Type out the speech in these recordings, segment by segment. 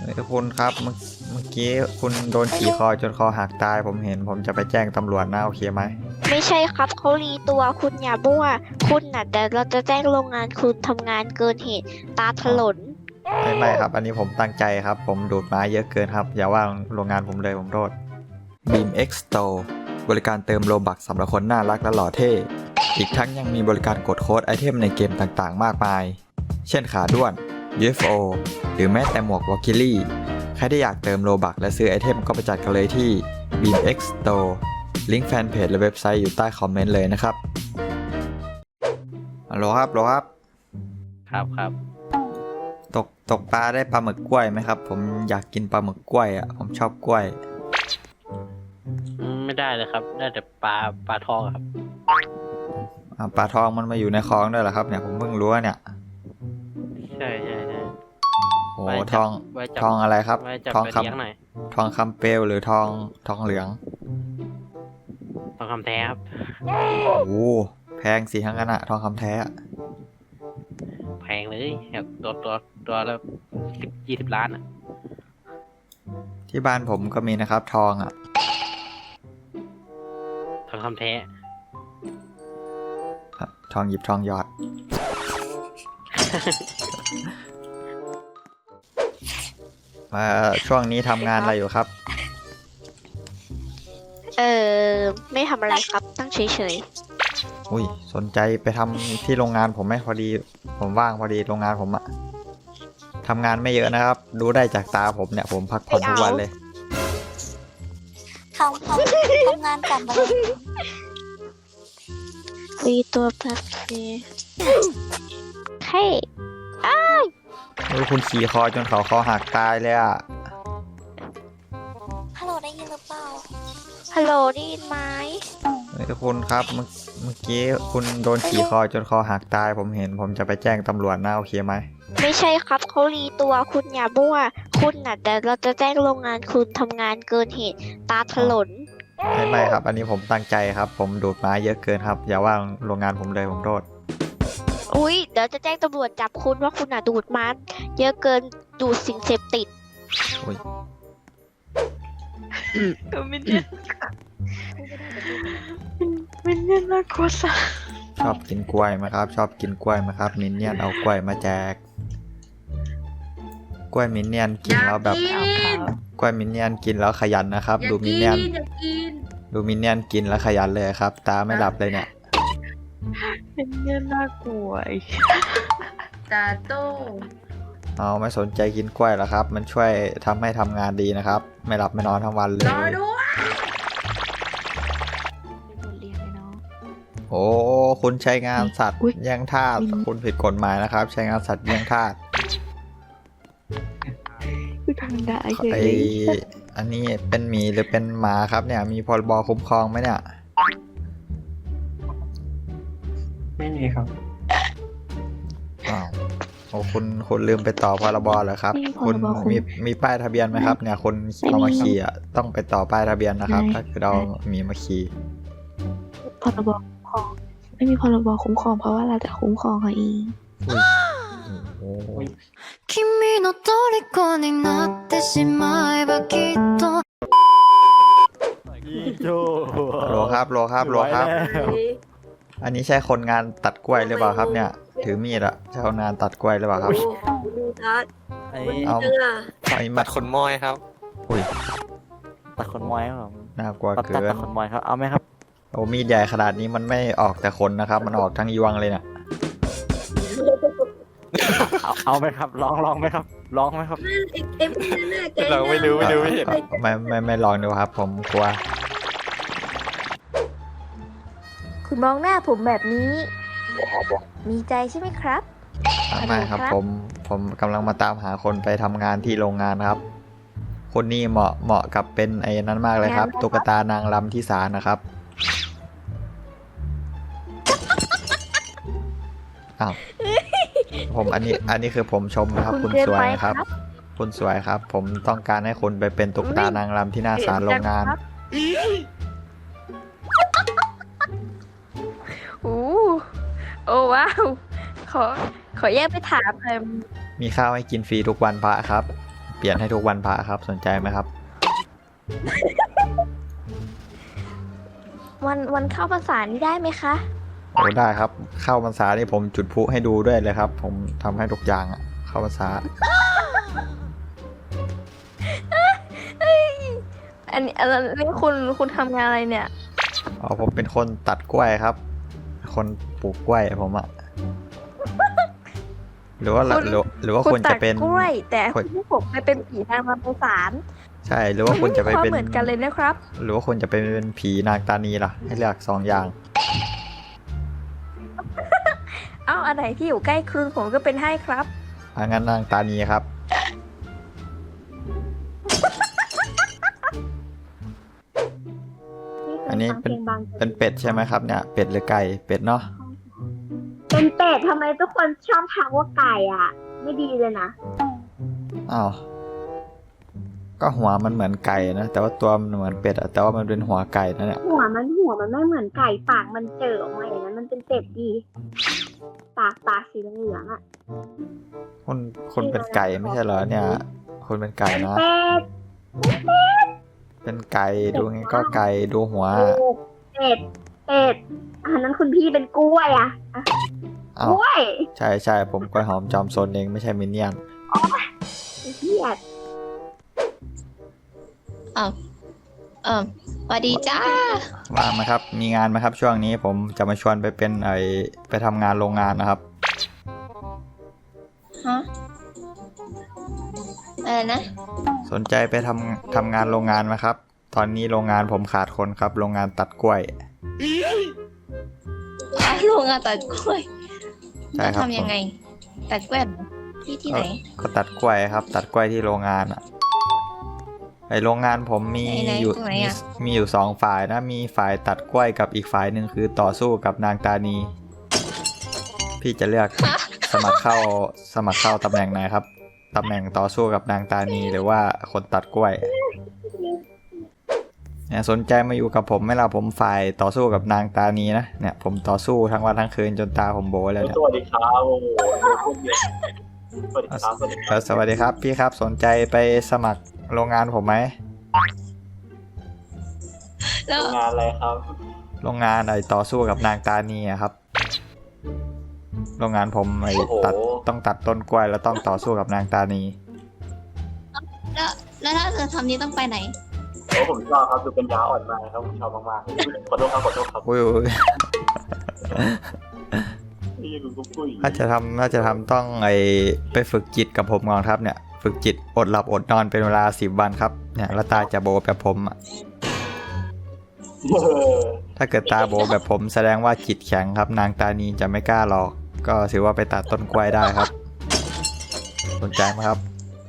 คุณครับเมื่อกี้คุณโดนขี่คอจนคอหักตายผมเห็นผมจะไปแจ้งตำรวจนะโอเคไหมไม่ใช่ครับเขารีตัวคุณอย่ามั่วคุณน่ะแต่เราจะแจ้งโรงงานคุณทำงานเกินเหตุตาถลนไม่ครับอันนี้ผมตั้งใจครับผมดูดไม้เยอะเกินครับอย่าว่าโรงงานผมเลยผมโทษ Beam X Store บริการเติมโลบักสำหรับคนน่ารักและหล่อเท่อีกทั้งยังมีบริการกดโค้ดไอเทมในเกมต่างๆมากมายเช่นขาด้วน UFO หรือแม้แต่หมวกวอลคิลี่ใครที่อยากเติมโลบักและซื้อไอเทมก็ไปจัดกันเลยที่ Beam X Store ลิงก์แฟนเพจและเว็บไซต์อยู่ใต้คอมเมนต์เลยนะครับฮัลโหลครับครับตกปลาได้ปลาหมึกกล้วยไหมครับผมอยากกินปลาหมึกกล้วยอ่ะผมชอบกล้วยไม่ได้เลยครับได้แต่ปลาทองครับปลาทองมันมาอยู่ในคลองด้วยเหรอครับเนี่ยผมเพิ่งรู้เนี่ยใช่โอ้ทองอะไรครับทองคำเปลวหรือทองเหลืองทองคำแท้ครับโอ้แพงสิทั้งนั้นอะทองคำแท้แพงเลยแบบตัวละ20 ล้านอ่ะที่บ้านผมก็มีนะครับทองอ่ะทองคำแท้ทองหยิบทองหยอด ช่วงนี้ทำงานอะไรอยู่ครับไม่ทำอะไรครับตั้งเฉยอุ้ยสนใจไปทำที่โรงงานผมไหมพอดีผมว่างพอดีโรงงานผมอะทำงานไม่เยอะนะครับดูได้จากตาผมเนี่ยผมพักผ่อนทุกวันเลยทำงานกลับมาเลยรีตัวแป๊บนึงเฮ้ยคุณขี่คอจนเขาคอหักตายเลยอะฮัลโหลได้ยินหรือเปล่าฮัลโหลได้ยินไหมคุณครับเมื่อกี้คุณโดนขี่คอจนคอหักตายผมเห็นผมจะไปแจ้งตำรวจนะโอเคไหมไม่ใช่ครับเขารีตัวคุณอย่ามั่วคุณน่ะแต่เราจะแจ้งโรงงานคุณทำงานเกินเหตุตาถลนไม่ครับอันนี้ผมตั้งใจครับผมดูดไม้เยอะเกินครับอย่าว่าโรงงานผมเลยผมโทษอุ้ยเดี๋ยวจะแจ้งตำรวจจับคุณว่าคุณน่ะดูดไม้เยอะเกินดูดสิ่งเสพติดอุ้ยมินเนี่ยน่ากลัวสัสชอบกินกล้วยไหมครับชอบกินกล้วยไหมครับมินเนี่ยนเอากล้วยมาแจกกล้วยมินเนี่ยนกินแล้วแบบกล้วยมินเนี่ยนกินแล้วขยันนะครับดูมินเนี่ยนกินแล้วขยันเลยครับตาไม่หลับเลยเนี่ยมินเนี่ยน่ากลัวตาโต้เอาไม่สนใจกินกล้วยหรอครับมันช่วยทำให้ทำงานดีนะครับไม่หลับไม่นอนทั้งวันเลยโอ้คุณใช้งานสัตว์แย่งทาสคุณผิดกฎหมายนะครับใช้งานสัตว์แย่งทาสอันนี้เป็นหมีหรือเป็นหมาครับเนี่ยมีพรบคุ้มครองไหมเนี่ยไม่มีครับอ้าวโอ้คุณลืมไปต่อพรบเหรอครับคุณมีป้ายทะเบียนไหมครับเนี่ยคนเอามาขี่อ่ะต้องไปต่อป้ายทะเบียนนะครับถ้าคือเรามีมาขี่พรบคุ้มครองไม่มีพรบคุ้มครองเพราะว่าเราจะคุ้มครองเขาเอง君の虜になってしまえばきっとโลครับอันนี้ใช่คนงานตัดกล้วยหรือเปล่าครับเนี่ยถือมีดอะใช่คนงานตัดกล้วยหรือเปล่าครับเอาตัดขนมอยครับอุ้ยตัดขนมอยครับน่ากลัวเกินตัดขนมอยครับเอาไหมครับโอ้มีดใหญ่ขนาดนี้มันไม่ออกแต่ขนนะครับมันออกทั้งยวงเลยเนี่ยเอาไหมครับลองไหมครับลองไหมครับเราไม่รู้ไม่เห็นไม่ลองดูครับผมกลัวคุณมองหน้าผมแบบนี้มีใจใช่ไหมครับไม่ครับผมกำลังมาตามหาคนไปทำงานที่โรงงานครับคนนี้เหมาะกับเป็นไอ้นั้นมากเลยครับตุ๊กตานางรำที่ศาลนะครับอ้าวผมอันนี้คือผมชมนะครับคุณสวยครับคุณสวยครับผมต้องการให้คุณไปเป็นตุ๊กตานางรำที่หน้าศาลโรงงานโอ้ว้าวขอแยกไปถามเลยมีข้าวให้กินฟรีทุกวันพระครับเปลี่ยนให้ทุกวันพระครับสนใจไหมครับวันเข้าพรรษานี่ได้ไหมคะโอ้ได้ครับเข้าพรรษานี่ผมจุดพลุให้ดูด้วยเลยครับ ผมทำให้ทุกอย่างอะเข้าพรรษาอันนี้คุณทำงานอะไรเนี่ยอ๋อผมเป็นคนตัดกล้วยครับ คนปลูกกล้วยผมอะหรือว่าคุณหรือว่าคุคุณณตัจะดเป็นกล้วย แต่คุณที่ผมไปเป็นผีนางรำไพศาลใช่หรือว่าคุณจะไปมันเป็ม่นมีความเหมือนกันเลยนะครับหรือว่าคุณจะไปเป็นผีนางตานีล่ะ ให้เลือก2 อย่างเอ้าอันไหนที่อยู่ใกล้คลึงผมก็เป็นให้ครับงั้นนางตานีครับ อันนี้เป็นเป็ดใช่ไหมครับเนี่ยเป็ดหรือไก่เป็ดเนาะเป็นเป็ดทำไมทุกคนชอบทักว่าไก่อ่ะ ไม่ดีเลยนะอ้าวก็หัวมันเหมือนไก่นะแต่ว่าตัวมันเหมือนเป็ดอะแต่ว่ามันเป็นหัวไก่นะเนี่ยหัวมันไม่เหมือนไก่ปากมันเจอออกมาอย่างนั้นมันเป็นเป็ดดีปากสีเหลืองๆอ่ะคุณเป็นไก่ไม่ใช่เหรอเนี่ยคุณเป็นไก่นะเป็ดเป็นไก่ดูไงก็ไก่ดูหัวเป็ดอันนั้นคุณพี่เป็นกล้วยอ่ะอ้าก วล้วยใช่ผมกล้วยหอมจอมซนเองไม่ใช่มินเนี่ยนเฮียสวัสดีจ้าว่างไหมครับ มีงานไหมครับ ช่วงนี้ผมจะมาชวนไปเป็นไปทำงานโรงงานนะครับฮะ อะไรนะสนใจไปทำงานโรงงานไหมครับ ตอนนี้โรงงานผมขาดคนครับ โรงงานตัดกล้วยโรงงานตัดกล้วยใช่ครับทำยังไง ตัดกล้วยเหรอที่ไหนก็ตัดกล้วยครับ ตัดกล้วยที่โรงงานอะโรงงานผมมีไหนอยู่ตรงไหนอะมีอยู่2 ฝ่ายนะมีฝ่ายตัดกล้วยกับอีกฝ่ายหนึ่งคือต่อสู้กับนางตานี พี่จะเลือกสมัครเข้าตำแหน่งไหนครับตำแหน่งต่อสู้กับนางตานีหรือว่าคนตัดกล้วยเนี่ยสนใจมาอยู่กับผมไหมล่ะผมฝ่ายต่อสู้กับนางตานีนะเนี่ยผมต่อสู้ทั้งวันทั้งคืนจนตาผมโบเลยเนี่ยสวัสดีครับโอ้โหสวัสดีครับสวัสดีครับสวัสดีครับพี่ครับสนใจไปสมัครโรงงานผมไหมแล้วงานอะไรครับโรงงานต่อสู้กับนางตานีอะครับ โรงงานผมโอ้โหต้องตัดต้นกล้วยแล้วต้องต่อสู้กับนางตานีแล้วถ้าจะทำนี้ต้องไปไหนโอ้ผมชอบครับดูเป็นยาอ่อนมากครับผมชอบมากๆขอโทษครับอุ้ยนี่ยังกูปุ้ยถ้าจะทำต้องไปฝึกจิตกับผมก่อนครับเนี่ยฝึกจิตอดหลับอดนอนเป็นเวลา10 วันครับเนี่ยแล้วตาจะโบแบบผมอะถ้าเกิดตาโบแบบผมแสดงว่าจิตแข็งครับนางตานีจะไม่กล้าหรอกก็ถือว่าไปตัดต้นกล้วยได้ครับ สนใจไหมครับ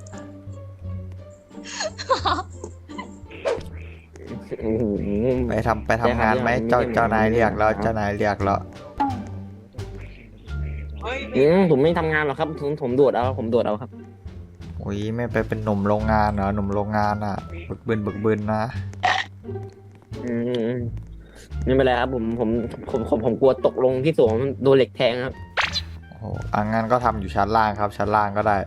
ไปทำงานไหมเจ้านายเรียกแล้วเจ้านายเรียกแล้วผมไม่ทำงานหรอกครับผมโดดเอาครับอุ้ยไม่ไปเป็นหนุ่มโรงงานเหรอหนุ่มโรงงานอ่ะบึกบึนนะไม่เป็นไรครับผมกลัวตกลงที่สูงโดนเหล็กแทงครับโอ้โหงั้นก็ทำอยู่ชั้นล่างครับชั้นล่างก็ได้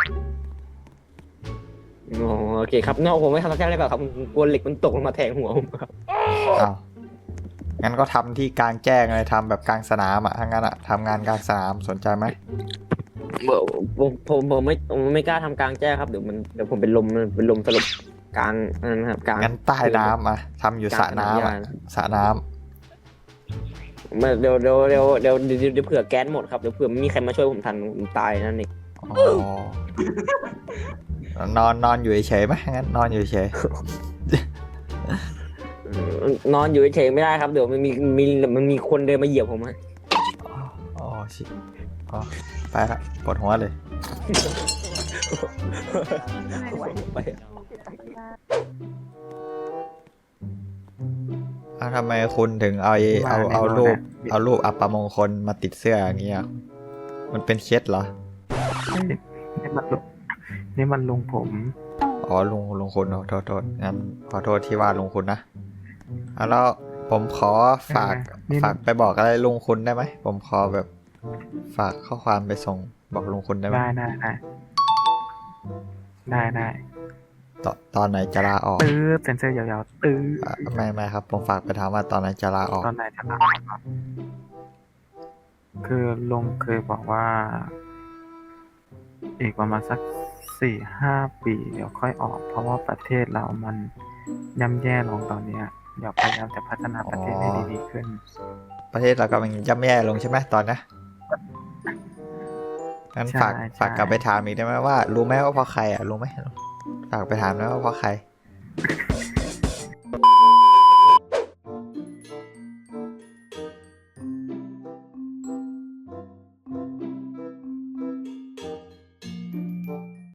โอเคครับนอกผมไม่ทำแค่ได้เปล่าครับผมกลัวเหล็กมันตกลงมาแทงหัวผมครับอ้าวงั้นก็ทำที่กลางแจ้งเลยทำแบบกลางสนามอ่ะถ้างั้นอ่ะทำงานกลางสนามสนใจไหมผมไม่กล้าทำกลางแจ้งครับเดี๋ยวผมเป็นลมสลบกลางนะครับกลางงั้นใต้น้ำอ่ะทำอยู่สระน้ำอ่ะสระน้ำเดี๋ยวเผื่อแก๊สหมดครับเดี๋ยวเผื่อไม่มีใครมาช่วยผมทันผมตายนั่นเองอ๋อนอนอยู่เฉยๆไหมงั้นนอนอยู่เฉยนอนอยู่เฉยๆไม่ได้ครับเดี๋ยวมันมีคนเดินมาเหยียบผมฮะอ๋อชิอ๋อไปละปวดหัวเลยไปทำไมคุณถึงเอารูปอัปมงคลมาติดเสื้ออย่างเงี้ยมันเป็นเคล็ดเหรอนี่มันลุงผมอ๋อลุงคุณโทษงั้นขอโทษที่ว่าลุงคุณนะแล้วผมขอฝากไปบอกอะไรลุงคุณได้ไหมผมขอแบบฝากข้อความไปส่งบอกลุงคุณได้ไหมได้ได้ตอนไหนจะลาออกเซ็นเซอร์ยาวๆไม่ครับ ผมฝากไปถามว่าตอนไหนจะลาออกตอนไหนจะลาออกครับคือลุงเคยบอกว่า อีกประมาณสัก4-5 ปีเดี๋ยวค่อยออก เพราะว่าประเทศเรามันย่ำแย่ลงตอนเนี้ยเดี๋ยวพยายามจะพัฒนาประเทศให้ดีๆขึ้นประเทศเรากำลังย่ำแย่ลงใช่ไหมตอนนี้งั้นใช่ฝากกลับไปถามอีกได้ไหมว่า รู้ไหมว่าเพราะใครอ่ะรู้ไหมฝากไปถามนะว่าเพราะใคร